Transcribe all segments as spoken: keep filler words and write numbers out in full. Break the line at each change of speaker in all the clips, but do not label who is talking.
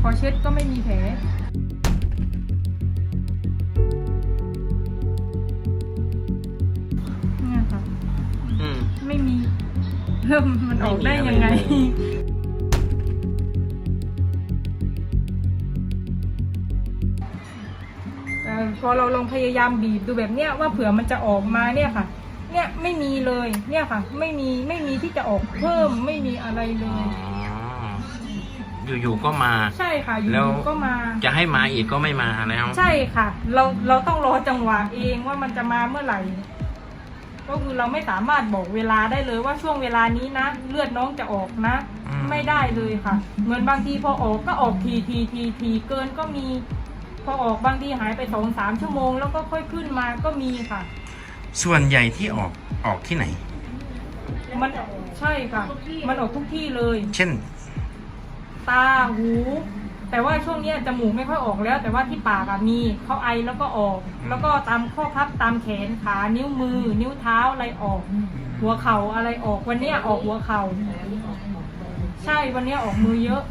พอเช็ดก็ไม่มีแผลเนี่ยค่ะไม่มีเริ่มมันออกได้ยังไงพอเราลองพยายามบีบดูแบบเนี้ยว่าเผื่อมันจะออกมาเนี่ยค่ะเนี่ยไม่มีเลยเนี่ยค่ะไม่มีไม่มีที่จะออกเพิ่มไม่มีอะไรเลย
อยู่ๆก็มา
ใช่ค่ะอยู่ๆก็มา
จะให้มาอีกก็ไม่มาแล้ว
ใช่ค่ะเราเราต้องรอจังหวะเองว่ามันจะมาเมื่อไหร่ก็คือเราไม่สามารถบอกเวลาได้เลยว่าช่วงเวลานี้นะเลือดน้องจะออกนะไม่ได้เลยค่ะเหมือนบางทีพอออกก็ออกทีทีทีทีเกินก็มีพอออกบางทีหายไปสองสามชั่วโมงแล้วก็ค่อยขึ้นมาก็มีค่ะ
ส่วนใหญ่ที่ออกออกที่ไหน
มันใช่ค่ะมันออกทุกที่เลย
เช่น
ตาหูแต่ว่าช่วงนี้จมูกไม่ค่อยออกแล้วแต่ว่าที่ปากมีเขาไอแล้วก็ออกแล้วก็ตามข้อพับตามแขนขานิ้วมือนิ้วเท้าอะไรออกหัวเข่าอะไรออกวันนี้ออกหัวเข่าใช่วันนี้ออกมือเยอะ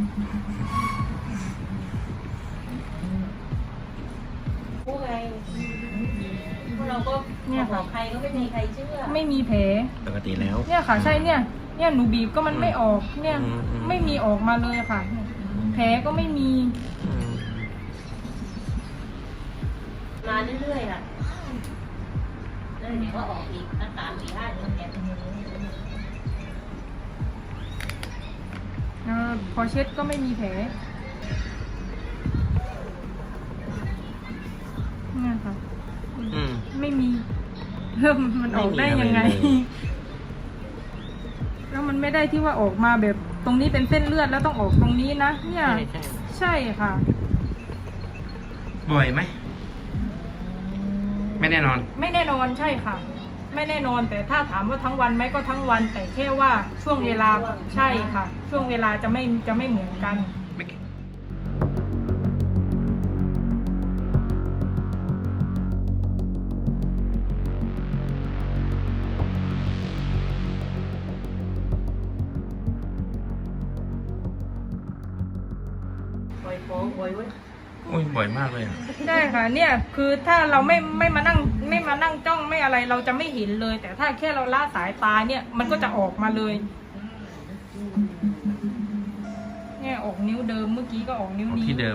พวกไงพวกเราก็เนี่ยบอกใครก็ไม่มีใครเชื่อ
ไม่มีแผล
ปกติแล้ว
เนี่ยค่ะใช่เนี่ยเนี่ยหนูบีบก็มันไม่ออกเนี่ยไม่มีออกมาเลยค่ะแผลก็ไม่มี
มาเรื่อยๆค่ะแล้วเดี๋ยวก็ออกอีกตั้งสามสี่ห้าเดือนแก
พอเช็ดก็ไม่มีแผลเนี่ยค่ะไม่มีเริ่มมันออกได้ยังไงแล้วมันไม่ได้ที่ว่าออกมาแบบตรงนี้เป็นเส้นเลือดแล้วต้องออกตรงนี้นะเนี่ยใช่ค่ะ
บ่อยไหมไม่แน่นอน
ไม่แน่นอนใช่ค่ะไม่แน่นอนแต่ถ้าถามว่าทั้งวันไหมก็ทั้งวันแต่แค่ว่าช่วงเวลาใช่ค่ะช่วงเวลาจะไม่จะไม่เหมือนกัน
บ่อยฟ้องบ่อยเว้ย
โอ้ยบ่อยมากเลย
ใช่ค่ะเนี่ยคือถ้าเราไม่ไม่มานั่งไม่มานั่งจ้องไม่อะไรเราจะไม่เห็นเลยแต่ถ้าแค่เราละสายตาเนี่ยมันก็จะออกมาเลยเนี่ยออกนิ้วเดิมเมื่อกี้ก็ออกนิ้วนี้
ที่เดิม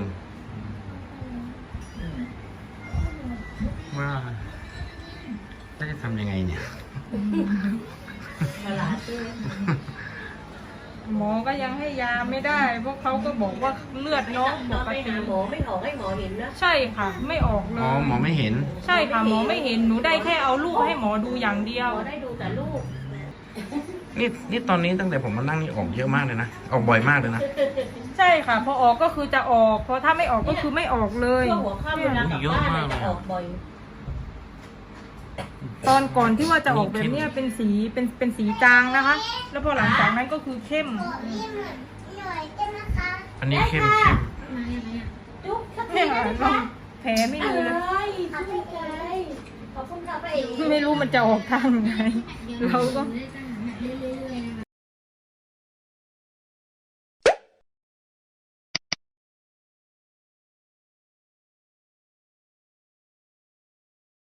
ว่าจะทำยังไงเนี่ย
หมอก็ยังให้ยาไม่ได้เพราะเขาก็บอกว่าเลือดน้องปกติ
หมอไม่ออกให้หมอเห็นนะ
ใช่ค่ะไม่ออกเลย
อ๋อหมอไม่เห็น
ใช่ค่ะหมอไม่เห็นหนูได้แค่เอาลูกให้หมอดูอย่างเดียว
ได้ดูแต่ลูก
นี่นี่ตอนนี้ตั้งแต่ผมมานั่งนี่ออกเยอะมากเลยนะออกบ่อยมากเลยนะ
ใช่ค่ะพอออกก็คือจะออกพอถ้าไม่ออกก็คือไม่ออกเลย
ช่วงหัวค่ำเวลากลับบ้านจะออกบ่อย
ตอนก่อนที่ว่าจะออกแบบนี้เป็นสีเป็นเป็นสีจางนะคะแล้วพอหลังจากนั้นก็คือเข้ม
อันนี้เข้มเข้ม
เนี่ยค่ะแผลไม่มีเลยไม่รู้มันจะออกทางไหนเราก็